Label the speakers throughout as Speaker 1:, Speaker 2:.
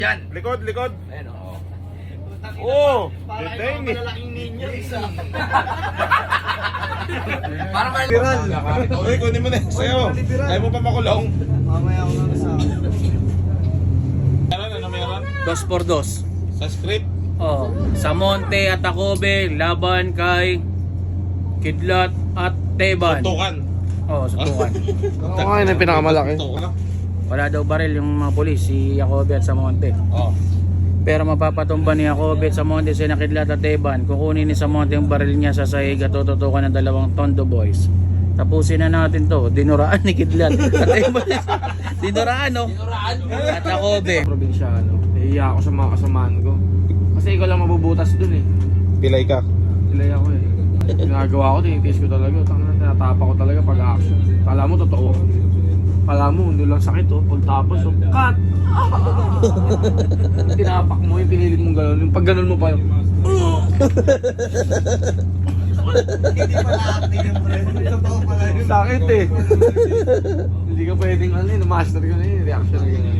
Speaker 1: Yan.
Speaker 2: Likod, likod.
Speaker 1: Ayan o.
Speaker 2: Oh,
Speaker 3: Parang
Speaker 2: detain
Speaker 3: yung
Speaker 2: eh.
Speaker 3: malalaking ninyo, isa.
Speaker 1: Parang may
Speaker 2: Uy, kunin mo na. Sayo. Ayaw mo pa makulong.
Speaker 3: Mamaya ako na sa...
Speaker 2: Ano meron?
Speaker 4: 2x2.
Speaker 2: Sa script.
Speaker 4: Oh, sa Monte at Tacobe, laban kay Kidlat at Teban.
Speaker 2: Tukan.
Speaker 4: Oh, suntukan.
Speaker 2: Oo, yun ang pinakamalaki.
Speaker 4: Wala daw baril yung mga pulis, si Jacobe at sa Monte.
Speaker 2: Oh.
Speaker 4: Pero mapapatumba ni Jacobe at sa Monte si Kidlat at Teban. Kukunin ni sa Monte yung baril niya sa sahig at tututukan ng 2 Tondo Boys. Tapusin na natin to. Dinuraan ni Kidlat at Teban. Dinuraan, no? At Jacobe.
Speaker 5: Probinsyano. Nahiya ako sa mga kasamaan ko. Kasi ikaw lang mabubutas dun eh.
Speaker 2: Pilay ka.
Speaker 5: Ilay ako eh. Ginagawa ko, tinitiis ko talaga. Tinatapa ko talaga pag action. Kala mo totoo. Kala mo, hindi lang sakit oh. Pag tapos oh, cut! Tinapak mo yung pinilit mong gano'n. Yung pag gano'n mo pa yung...
Speaker 3: Hindi pala acting yung pre. Totoo pala yun.
Speaker 5: Sakit eh. Hindi ka pwedeng ano yun, master ko na yun, reaction na gano'n.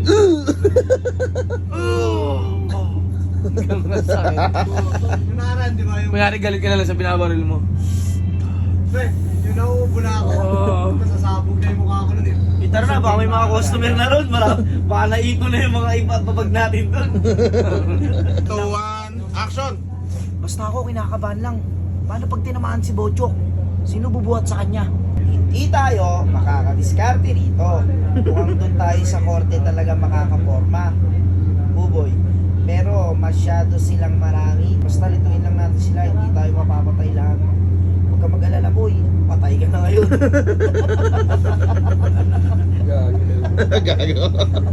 Speaker 5: Ganun na sakit.
Speaker 3: Yung nakaraan, di ba yung...
Speaker 5: Mayari galit ka na lang sa binabaril mo.
Speaker 3: Pre, yung nauubo na ako. Nasasabog na yung mukha ko nun eh.
Speaker 6: Tara na, baka may mga customer na ron. Baka naiko na yung mga ipapabag natin doon.
Speaker 2: 2, 1, action!
Speaker 6: Basta ako, kinakabahan lang. Paano pag tinamaan si Bochok? Sino bubuhat sa kanya? Hindi tayo makakadiskarte rito. Mukhang doon tayo sa korte talaga makakaporma. Buboy. Pero masyado silang marami. Basta lituin lang natin sila, hindi tayo mapapatay lahat. Huwag ka mag-alala, boy. Patay ka na ngayon.
Speaker 2: Gago.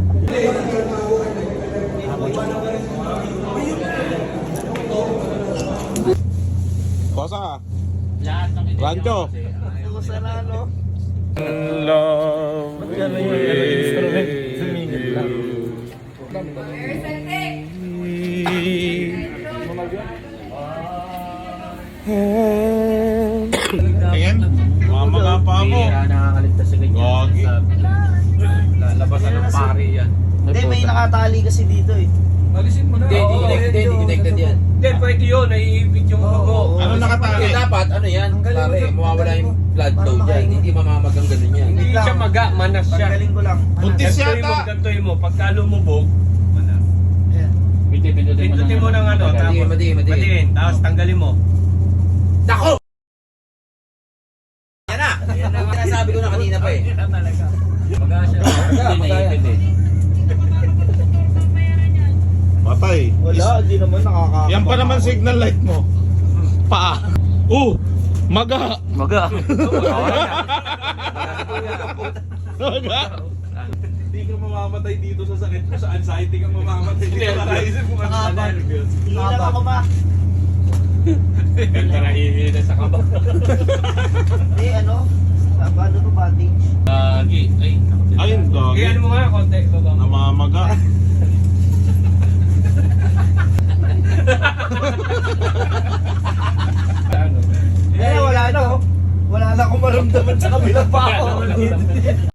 Speaker 2: Bosa. Rancho.
Speaker 6: Ako sana, no?
Speaker 2: Love Tingin, mama ka pa mo.
Speaker 4: Nakakaligtas sa ganyan.
Speaker 2: Gagi.
Speaker 1: Lalabasan ng pari yan.
Speaker 6: Hindi, may nakatali kasi dito eh.
Speaker 1: Alisin mo na. Hindi connected yan.
Speaker 5: Hindi, pwede yun, naiibig yung
Speaker 6: Oo.
Speaker 2: Ano nakatali?
Speaker 1: Eh, dapat, ano yan? Pare, mawawala yung blood flow dyan. Hindi mamamagang ganun yan.
Speaker 5: Hindi siya maga, manas siya.
Speaker 6: Paggaling ko lang.
Speaker 2: Buntis
Speaker 5: Gantoy mo,
Speaker 2: yata.
Speaker 5: gantoy mo. Pagka lumubog, manas.
Speaker 6: Ayan.
Speaker 5: Pindutin mo ng ano, tapos
Speaker 1: Madiin.
Speaker 5: tapos tanggalin mo.
Speaker 1: Dako! Yan na! Yan na. Sinasabi ko na kanina pa eh.
Speaker 5: Maga siya.
Speaker 1: Naipit eh.
Speaker 2: Patay.
Speaker 6: Wala, hindi naman nakaka...
Speaker 2: Yan pa naman signal light mo. Paa. Maga.
Speaker 4: Maga.
Speaker 2: Maga.
Speaker 5: Hindi ka mamamatay dito sa sakit mo, sa anxiety ka mamamatay dito. Nakaisip mo ano
Speaker 6: Nakaba. Hindi lang ako ma.
Speaker 5: Ganda na hihina sa kaba.
Speaker 6: Hindi, ano? Paano to bandage?
Speaker 5: Lagi. Ay,
Speaker 2: Ayun,
Speaker 5: Kaya
Speaker 2: gagi.
Speaker 5: ano mo nga, konti. Baba.
Speaker 2: Namamaga.
Speaker 6: Eh, wala na oh. Wala na akong maramdaman sa kabilang pa ako.